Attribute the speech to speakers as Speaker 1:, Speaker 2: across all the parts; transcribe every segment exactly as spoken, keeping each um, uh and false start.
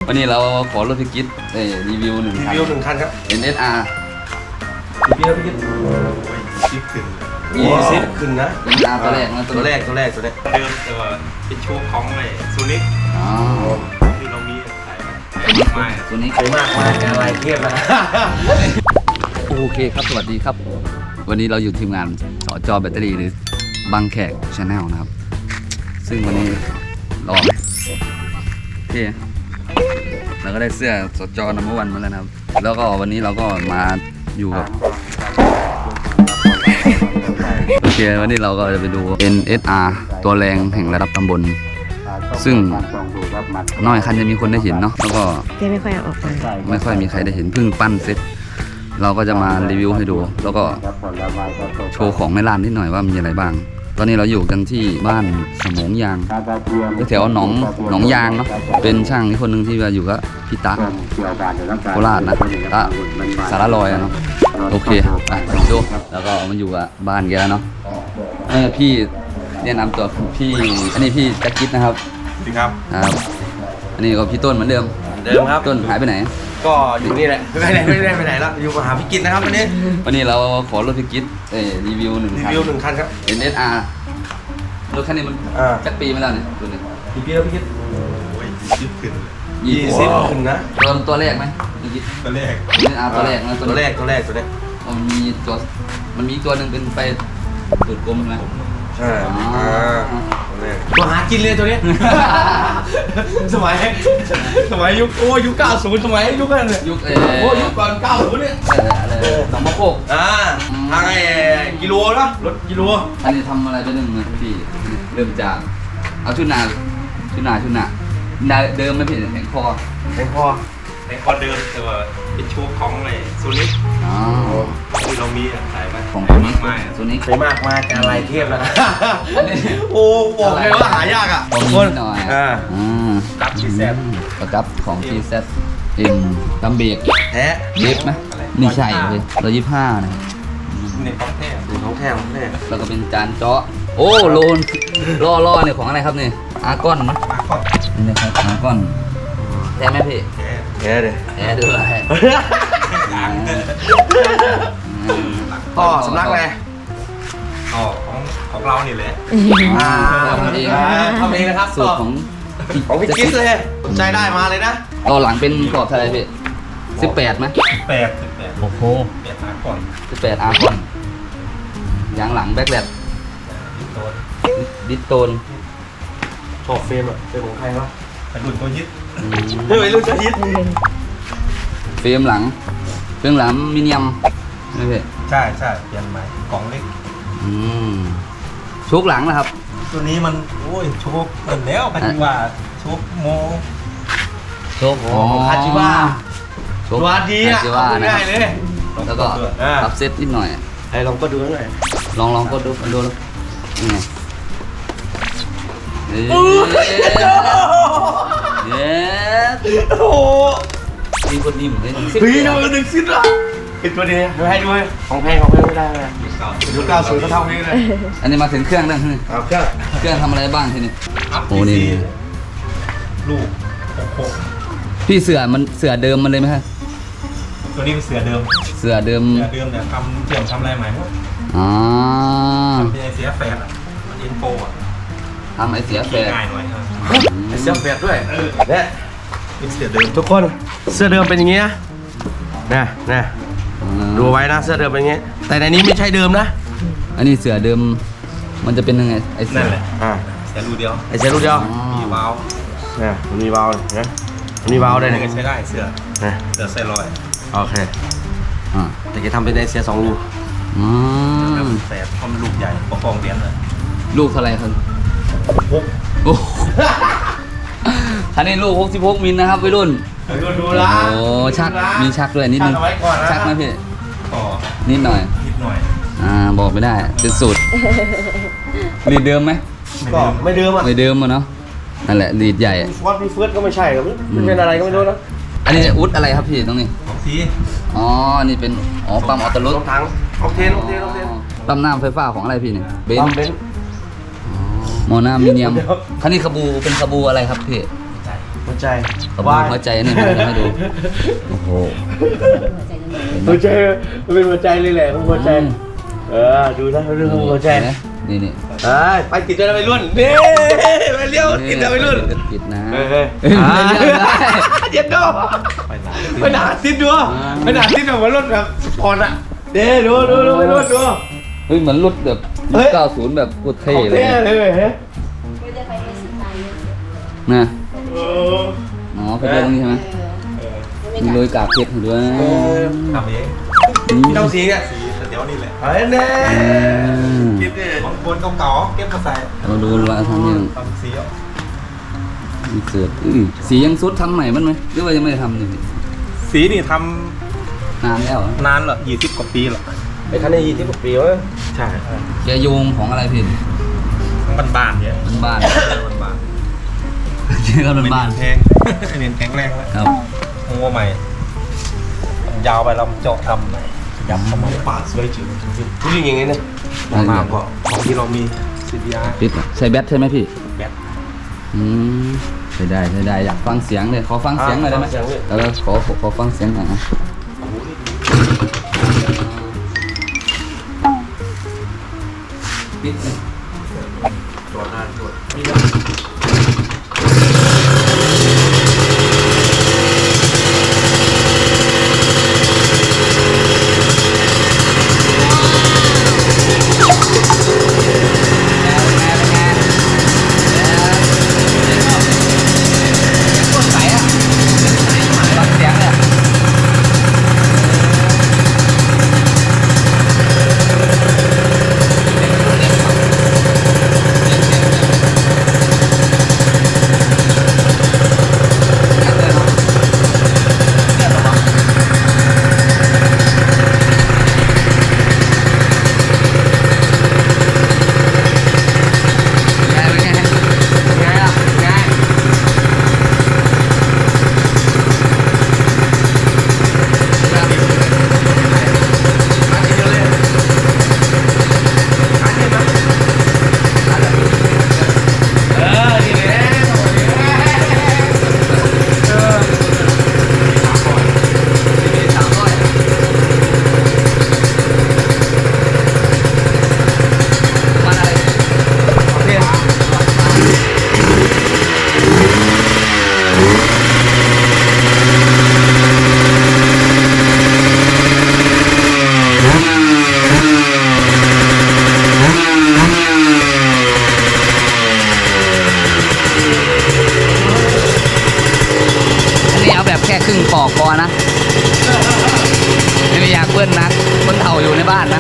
Speaker 1: วันนี้เราขอรถพิกิตรีวิวหนึ่งคัน
Speaker 2: รีวิวหนึ่งคันครับ
Speaker 1: เอ็น เอส อาร์
Speaker 2: พี่ครับพี่คิดชิปขึ้นยี่สิบขึ้นนะ
Speaker 1: เอ็น อาร์ ตัวแรกนะ
Speaker 2: ตัวแรกตัวแรกตัวแรก
Speaker 3: เดิมแต่ว่าเป็นโชว์ของเลยซูนิค
Speaker 1: อ๋อ
Speaker 3: ที่เรามีขายมาไม่
Speaker 1: ตัวนี้
Speaker 2: สวยมากมากอะไรเทียบนะ
Speaker 1: โอเคครับสวัสดีครับ วันนี้เราอยู่ทีมงานสจแบตเตอรี่หรือบางแขกชาแนลนะครับ ซึ่งวันนี้รอไหมโอเคเราก็ได้เสื้อสจนัมเบอร์วันมาแล้วนะครับ แล้วก็วันนี้เราก็มาอยู่กับโอเควันนี้เราก็จะไปดู เอ็น เอส อาร์ ตัวแรงแห่งระดับตำบลซึ่งน้อยคันจะมีคนได้เห็นเนาะแล้วก็
Speaker 4: เจ๊ไม่ค่อยเอาออกมา
Speaker 1: ไม่ค่อยมีใครได้เห็นเพิ่งปั้นเสร็จเราก็จะมารีวิวให้ดู แล้วก็โชว์ของในร้านนิดหน่อยว่ามีอะไรบ้าง ตอนนี้เราอยู่กันที่บ้านสมงยางแถวหนองหนองยางเนาะเป็นช่างคนหนึ่งที่มาอยู่กับพี่ตะโคราชนะตะสารลอยเนาะโอเคไปดูแล้วก็มันอยู่กับบ้านแกแล้วเนาะเออพี่แนะนำตัวพี่อันนี้พี่แจ็คกิทนะครับ
Speaker 2: สวัสดีครับ
Speaker 1: ครับอันนี้ก็พี่ต้นเหมือนเดิม
Speaker 2: เดิมครับ
Speaker 1: ต้นหายไปไหน
Speaker 2: ก็อยู่นี่แหละไม่ได้ไม่ได้ไปไหนแล้วอยู่มาหาพี่กิตนะครับวันนี้
Speaker 1: วันนี้เราขอรถพิกิตรีวิวหนึ่ง
Speaker 2: รี
Speaker 1: คัน
Speaker 2: วิวหนึ่งคันครับ
Speaker 1: เอ็น เอส อาร์ รถคันนี้มัน
Speaker 2: อ่า
Speaker 1: จักปีมาแล้วเนี่ยตัวนี้
Speaker 2: พี่กิตครับพี่กิต
Speaker 3: โอ้ยชิปขึ้น
Speaker 1: ยี่
Speaker 2: ยี่
Speaker 1: สิ
Speaker 2: สิ
Speaker 1: บบ
Speaker 2: ขึ้นนะ
Speaker 1: ตัวตัวแรกไหมพิกิต
Speaker 3: ตัวแรก
Speaker 1: เอ็น เอส อาร์ ตัวแรกนะ
Speaker 2: ตัวแรกตัวแรกตัวแรก
Speaker 1: มันมีตัวมันมีตัวหนึ่งเป็นไฟตูดกลมใช่ไหม
Speaker 2: ใช่
Speaker 1: อ๋อ
Speaker 2: อ่าตัวแรกตัวหากินเลยตัวนี้ สมัยสมัยยุคโอ้ยุคเก้าสิบสมัยยุคนั้นเลย
Speaker 1: ยุคเอ
Speaker 2: โอ้ยุคก่อนเก้าสิบเนี่ย
Speaker 1: เอออะไรหนองมะโคก
Speaker 2: อ่าทางไอ้กิโลนะรถกิโล
Speaker 1: อันนี้ทำอะไรไปหนึ่งนะพี่เริ่มจากเอาชุดหนาชุดหนาชุดหนาหนาเดิมไม่ผิดแข็งคอ
Speaker 2: แทงคอ
Speaker 3: ในคอเดิมแต่ว่าเป็นโชว์ของเลยซูนิค
Speaker 1: อ๋อ
Speaker 3: ที่เรามีขายมา
Speaker 1: ของ
Speaker 3: ขาย
Speaker 1: ตัวนี้
Speaker 3: มาก
Speaker 1: ตัวนี้
Speaker 2: สวยมากมากอะไรเทียบแล้วโอ้บอกเลยว่าหายากอ่ะ
Speaker 1: ของ
Speaker 2: ค
Speaker 1: นิ
Speaker 2: น
Speaker 1: ดหน่อย
Speaker 2: อ่า
Speaker 1: อ่า
Speaker 3: รับที่แซ่บ
Speaker 1: ประกับของ ที แซด เอ็มลำเบรก
Speaker 2: แท้
Speaker 1: เล็บไหมนี่ใช่เลยร้อยยี่สิบห้านะครับ
Speaker 3: ในของแท้
Speaker 2: ดูของแท้ของแท้
Speaker 1: แล้วก็เป็นจานเจาะโอ้โลนล่อล่อเนี่ยของอะไรครับเนี่ยอาร์กอนมั้ง
Speaker 3: มาก่อน
Speaker 1: นี่นะครับอาร์กอนแท้ไหมพี่
Speaker 3: แท้
Speaker 2: แท้เลย
Speaker 1: แท้ด้วย
Speaker 3: ล้าง
Speaker 2: พ่อสำนักเลย
Speaker 3: อ๋อของของเรานี่แหละ
Speaker 2: อ่า
Speaker 1: ทำเอง
Speaker 2: ทำเองนะครับ
Speaker 1: สูตรของ
Speaker 2: ของพี่กิ๊ฟเลยสนใจได้มาเลยนะ
Speaker 1: ต่อหลังเป็นกรอบเท่าไหรพี่สิบแปดไหม
Speaker 3: แปดสิบแปด
Speaker 1: โอ้โห
Speaker 3: แปดมาก่อน
Speaker 1: สิบแปดอาร์กอนยางหลังแบ็คแลด
Speaker 3: โดน
Speaker 1: ดิสโตน
Speaker 2: ชอบเฟรมอ่ะเฟรมของใครวะ
Speaker 3: กระดุนตัวยึด
Speaker 2: เฮ้ยรุ่นจะฮิต
Speaker 1: เฟรมหลังเฟรมหลังมิเนียมนี่พี่
Speaker 3: ใช่ใช่เปลี่ยนใหม่กล่องเล็ก
Speaker 1: อืมชุกหลังนะครับ
Speaker 3: ตัวนี้มันโอ้ยโชว์เปิดแล้วกันดีกว่าโชว์โม
Speaker 1: ชุกอ๋อ
Speaker 2: คาจิบ้า
Speaker 1: ชุก
Speaker 2: ตัวดีอ่ะ
Speaker 1: คาจิว่านะ
Speaker 2: ง่าย
Speaker 1: ครับ
Speaker 2: เลย
Speaker 1: แล้วก็
Speaker 2: อ่า
Speaker 1: ปรับเซตนิดหน่อย
Speaker 2: ไอ้ลองก็ดูหน่อย
Speaker 1: ลองลองก็ดูดูแล้วนี่ไงเย้เย้
Speaker 2: โอ้โห
Speaker 1: มีคนนิ่มเลย
Speaker 2: เฮ้ยดูหนึ่งสิ้นละไอ้ตัวนี้เดี๋ยวให้ด้วยของแพงของแพงไม่ได้เลยยุคเก้าสิบก็เท่านี้เลย
Speaker 1: อันนี้มาถึงเครื่องแล้วนี่
Speaker 2: เอาเครื่อง
Speaker 1: เครื่องทำอะไรบ้างทีนี้
Speaker 3: อัพ
Speaker 1: โอ้
Speaker 3: พี
Speaker 1: นี่
Speaker 3: ซีลูกหกหก
Speaker 1: พี่เสือมันเสือเดิมมันเลยไหมฮะ
Speaker 3: ตัวนี้เป็นเสือเดิม
Speaker 1: เสือเดิม
Speaker 3: เสือเดิมเนี่ยทำเชื่อมทำอะไรใหม่หมด
Speaker 1: อ๋อ
Speaker 3: ทำเป็นไอเสียแฟนอ่ะมันอินโฟอ่ะ
Speaker 1: ทำไอเสียแฟร์
Speaker 3: ง่ายหน่อยครับ
Speaker 2: ไอ้เสื้อเปียกด้วยเนี่ย
Speaker 3: เป็นเสือเดิม
Speaker 2: ทุกคนเสื้อเดิมเป็นอย่างงี้นะเนี่ยเนี่ยดูไว้นะเสื้อเดิมเป็นอย่างงี้ แต่ในนี้ไม่ใช่เดิมนะ
Speaker 1: อันนี้เสือเดิมมันจะเป็นยังไงไอเสื
Speaker 3: นั่
Speaker 1: อน
Speaker 3: แหละ
Speaker 2: อ่า
Speaker 3: เสือรูเดียว
Speaker 2: ไอ้เสื้อรูปเดียว
Speaker 1: อ๋อ
Speaker 3: มีวาล์ว
Speaker 2: เนี่ยมันมีวาล์วเลยนะมันมีวาล์วด้วย
Speaker 3: นี่
Speaker 2: เนี่ย
Speaker 3: ก็ใช้ได้เสือ
Speaker 2: เนี่ย
Speaker 3: เสือไซรอยด์
Speaker 2: โอเค
Speaker 1: อ่า
Speaker 2: แต่จะทำเป็นไอเสียสองรู
Speaker 1: อืม
Speaker 3: แต่พอมันลูกใหญ่ประคองเหรียญเลย
Speaker 1: ลูกเท่าไหรครับ
Speaker 3: หก
Speaker 1: โอ้คันนี้ลูกหกสิบหกมิลนะครับวัยรุ่น
Speaker 2: ดูดู
Speaker 1: โอ้
Speaker 2: ละ
Speaker 1: โหชักมีชักด้วยนิดนึง
Speaker 2: ชักเอาไว้ก่อนนะ
Speaker 1: ชักไหมพี่
Speaker 3: ต่อ
Speaker 1: นิดหน่อย
Speaker 3: นิดหน่อย
Speaker 1: อ่าบอกไม่ได้เป็นสูตรรีดเดิมไหม
Speaker 2: ก็ไม่เดิมอ่ะ
Speaker 1: ไม่เดิมอะเนาะนั่นแหละรีดใหญ่
Speaker 2: ฟอสมีเฟิร์สก็ไม่ใช่ครับมันเป็นอะไรก็ไม่รู้นะ
Speaker 1: อันนี้อุดอะไรครับพี่ตรงนี้
Speaker 3: ของที
Speaker 1: อ๋อนี่เป็นอ๋อปั๊มออโต้รถ
Speaker 2: รถถังออกเทนออกเทนออกเทน
Speaker 1: ปั๊มน้ำไฟฟ้าของอะไรพี่เนี่ยเบน
Speaker 2: ปั๊ม
Speaker 1: ซ์
Speaker 2: เบนซ์
Speaker 1: มอน้ามิเนียม
Speaker 2: เดี๋ยว
Speaker 1: คันนี้ขบูเป็นขบูอะไรครับพี่
Speaker 3: ใช่
Speaker 2: โมหัวใจ
Speaker 1: ขอบคุณหัวใจนี่มันจะให้ดูโอ้โห
Speaker 2: หัวใจมันเป็นหัวใจเลยแหละหัวใจเออดูนะเรื่องหัวใจ
Speaker 1: นี่นี่
Speaker 2: เอ้ยไปติดด้วยไปรุ่นนี่ไปเลี้ยวติดด้วยไปรุ่น
Speaker 1: ติดนะ
Speaker 2: เฮ้ยเฮ้ย
Speaker 1: เฮ้ยไม่เลือกได้
Speaker 2: เย็นดูไปหนาติดดูไปหนาติดแบบว่ารถแบบสปอร์ตอะเด้ดูดูดูไปรุ่นดู
Speaker 1: เฮ้ยเหมือนรถแบบยุคเก้าสิบแบบโคตรเท่เลย
Speaker 2: เท่เลยเฮ้ย
Speaker 1: นะ
Speaker 2: เออ
Speaker 1: อ๋อเป็นเรื่องนี้ใช่ไหมมีโรยกากเพชรด้วย
Speaker 3: ทำเอง
Speaker 2: พี่ต้องสีเนี่ย
Speaker 3: สีเดี๋ยวนี่แหละ
Speaker 2: เฮ้ยเน่
Speaker 3: เก็บของบนเก่าๆเก็บมาใส่
Speaker 1: เราดูว่าทำยัง
Speaker 3: ทำสีอ่ะ
Speaker 1: มีเสืออื้อสียังสุดทำใหม่มั้ยไหมหรือว่ายังไม่ได้ทำอยู่
Speaker 3: สีนี่ท
Speaker 1: นานแล้วเหรอ
Speaker 3: ำนานเหรอยี่สิบกว่าปีเหรอ
Speaker 2: ไอ้คันนี้ยี่สิบกว่าปีวะ
Speaker 3: ใช่
Speaker 1: แกโยงของอะไรพี่
Speaker 3: บ้านบ้านๆเนี่ย
Speaker 1: บ้าน
Speaker 3: บ้าน
Speaker 1: ๆเชื่อกันบ้าน
Speaker 3: แพงเน้นแข็งแรงแล้ว
Speaker 1: ครับ
Speaker 3: งัวใหม่ยาวไปเราเจาะดำใหม่ยับเข้ามาปาดสวยจริง
Speaker 2: ผู้หญิงอย่างงี้เนี่ย
Speaker 3: มากๆก็ของที่เรามีซีดีอาร์
Speaker 1: ปิดใช้แบตใช่ไหมพี่
Speaker 3: แบต
Speaker 1: อืมใช่ได้ใช่ได้อยากฟังเสียงเลยขอฟังเสียงหน่อยได้ไหมเออขอขอขอฟังเสียงหน่อยนะปิดเลย
Speaker 3: จอดนานจอด
Speaker 1: อันนี้เอาแบบแค่ครึ่งปอกพอนะไม่อยากเบิ้ลนะคนเฒ่าอยู่ในบ้านนะ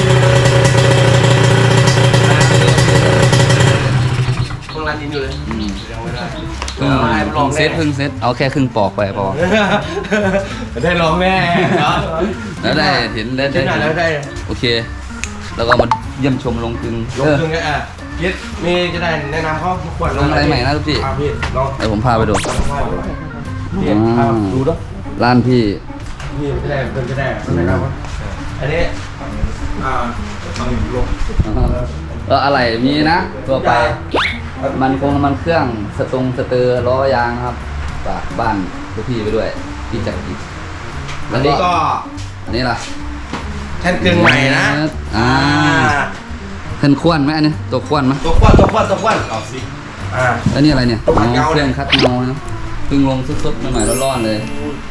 Speaker 2: เพิ่งรันดินอยู่เลยยังไม่ได้
Speaker 1: เพิ่งเพิ่งเซตเพิ่งเซตเอาแค่ครึ่งปอกไปพอ
Speaker 2: ได้ร้องแน่
Speaker 1: แล้วได้เห็นได้
Speaker 2: ได้ไหนแล้วได้
Speaker 1: โอเค แล้วก็มาเยี่ยมชมลงกลึง
Speaker 2: ลงถึงอ่ะคิดมีจะได้แนะนำเขาทุกคน
Speaker 1: ลงอะไรใหม่นะทุกพี่
Speaker 2: อ่ะพี่ลอง
Speaker 1: เดี๋ยวผมพาไปดู
Speaker 2: พี่พาดูด้วย
Speaker 1: ร้านพี่
Speaker 2: พี่จะได้เพิ่นจะได้เพิ่นแนะนำว่าอันนี้อ่า
Speaker 3: ต้องลง
Speaker 1: เอออะไรมีนะตัวไป มันคงมันเครื่องสตรงสเตอร์ล้อยางนะครับฝากบ้านทุกพี่ไปด้วยพี่จักรกิจ
Speaker 2: อันนี้ก็
Speaker 1: อันนี้ล่ะ
Speaker 2: แท่นกึ่งใหม่นะ
Speaker 1: อ่าเพิ่นควนไหมอันนี้ตัวควนไหม
Speaker 2: ตัวควันตัวควันตัวควันเอาสิอ่า
Speaker 1: แล้วนี่อะไรเนี่ย
Speaker 2: ตัวคัดเงา
Speaker 1: เครื่องคัดเงานะเพิ่งลงสุดๆใหม่ๆร้อนๆเลย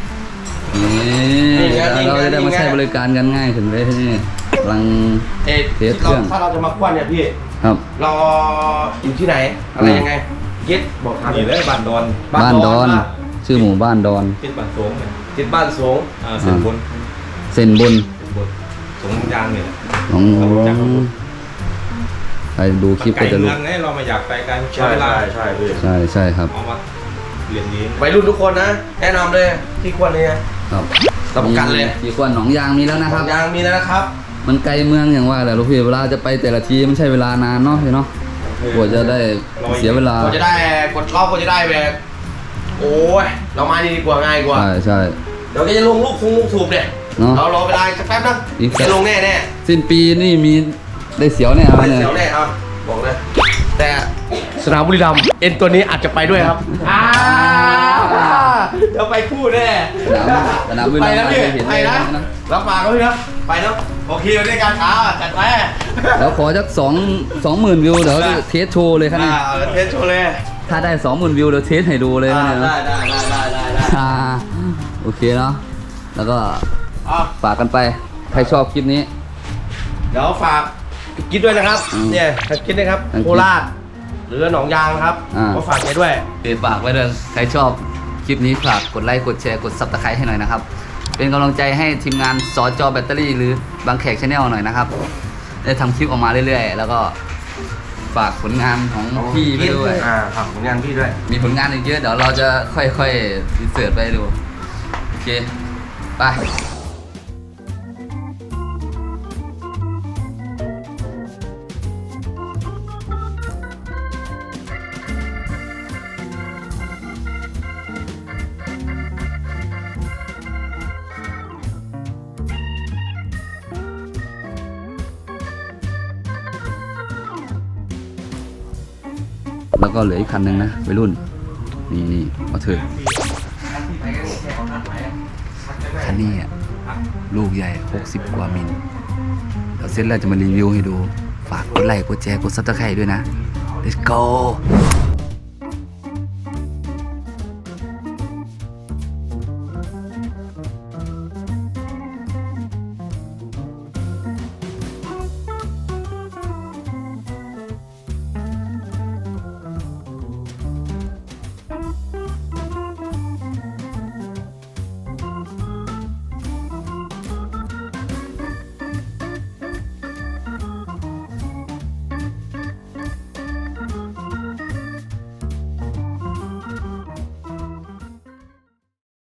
Speaker 1: นี่เราจะได้มาใช้บริการกันง่ายถึงเลยที่นี่กำลัง
Speaker 2: เอ๊ะ
Speaker 1: เทสเครื่อง
Speaker 2: ถ้าเราจะมาควันเนี่ยพี่
Speaker 1: ครับ
Speaker 2: เราอยู่ที่ไหนอะไรยังไงคิดบอกทาง
Speaker 3: นี่เลยบ้านดอน
Speaker 1: บ้านดอน
Speaker 2: อ่ะ
Speaker 1: ชื่อหมู่บ้านดอน
Speaker 3: ติดบ้านโสงเนี่ย
Speaker 2: ติดบ้านสูง
Speaker 3: อ่าเส้นบน
Speaker 1: เส้นบน
Speaker 3: เส้นบนสงยางเนี่ย
Speaker 1: ของ
Speaker 3: จากข้างบน
Speaker 1: ใครดูคลิป
Speaker 3: ไกล
Speaker 1: ก็จะ
Speaker 3: เมื
Speaker 1: รู้
Speaker 3: องเนี่ยเรามาอยากไปกัน
Speaker 2: ใช่
Speaker 3: เวลา
Speaker 2: ใช่ใช่พี่
Speaker 1: ใช่ใช่ครับ
Speaker 3: เอามาเรียนดี
Speaker 2: วัยรุ่นทุกคนนะแนะนำเลยที่ควรเลยนะครับ รับประกันเลย
Speaker 1: กี่คนหนองยางมีแล้วนะครับ
Speaker 2: ยางมีแล้วนะครับ
Speaker 1: มันไกลเมืองอย่างว่าแหละลูกพี่เวลาจะไปแต่ละทีมันใช้เวลานานเนาะพี่เนาะกว่าจะได้เสียเวลา
Speaker 2: กว่าจะได้กดรอบกว่าจะได้แบบโอ้ยเรามาดีกว่าง่ายกว่า
Speaker 1: ใช่ใช่
Speaker 2: เดี๋ยวก็จะลงลูกคงลูกถูกเนี่ย
Speaker 1: เนาะ
Speaker 2: เรารอเวลาสักแป๊บนึง
Speaker 1: อีกสัก
Speaker 2: จะลงแน่แน่
Speaker 1: สิ้นปีนี่มีได้เสียวแน่
Speaker 2: ๆ
Speaker 1: ครับ
Speaker 2: ไม่
Speaker 1: เนี่ย
Speaker 2: เสียวแน่ครับบอกเลยแต่สนามบุรีรัมย์เอ็นตัวนี้อาจจะไปด้วยครับอ้าวเดี๋ยวไปคู่แน่
Speaker 1: สนามสนามบิน
Speaker 2: ไปนะพี่
Speaker 1: เห็น
Speaker 2: ไป
Speaker 1: เลย
Speaker 2: นะ
Speaker 1: นะ
Speaker 2: รับปากก็พี่นะไปเนาะโอเคด้วยกันอ่าจัดไป
Speaker 1: แล้วขอสักสองสองหมื่นวิวเดี๋ยว
Speaker 2: ได้
Speaker 1: เทสโชว์เลยครับ
Speaker 2: อ่า
Speaker 1: เนี่ย
Speaker 2: เอาเทสโชว์เลย
Speaker 1: ถ้าได้สองหมื่นวิวเดี๋ยวเทสให้ดูเลย
Speaker 2: อ่า
Speaker 1: นะเนี่ย
Speaker 2: ได้ได้ได้ได้ได้ได้
Speaker 1: อ่าโอเคเนาะแล้วก็
Speaker 2: อ่ะ
Speaker 1: ฝากกันไปใครชอบคลิปนี้
Speaker 2: เดี๋ยวฝากกิ๊ดด้วยนะครับ
Speaker 1: อืม
Speaker 2: เนี่ยกิ๊ดนะครับ
Speaker 1: ทางกิ๊ด
Speaker 2: โคราชหรือหนองยางนะครับ
Speaker 1: อ่า
Speaker 2: ก็ฝากแกด้วย
Speaker 1: เดี๋ยวฝากไว้เลยใครชอบคลิปนี้ฝากกดไลค์กดแชร์กดซับสไครต์ให้หน่อยนะครับเป็นกำลังใจให้ทีมงานสอจอแบตเตอรี่หรือบางแขกชาแนลหน่อยนะครับได้ทำคลิปออกมาเรื่อยๆ แล้วก็ฝากผลงานของพี่ไปด้วย
Speaker 2: อ่าฝากผลงานพี่ด้วย
Speaker 1: มีผลงานอีกเยอะเดี๋ยวเราจะค่อยๆรีเสิร์ชไปดูโอเคไปแล้วก็เหลืออีกคันหนึ่งนะวัยรุ่นนี่นี่มาเถอะคันนี้อ่ะลูกใหญ่หกสิบกว่ามิลเดี๋ยวเสร็จแล้วจะมารีวิวให้ดูฝากกดไลค์กดแชร์กดซับสไครต์ด้วยนะ let's go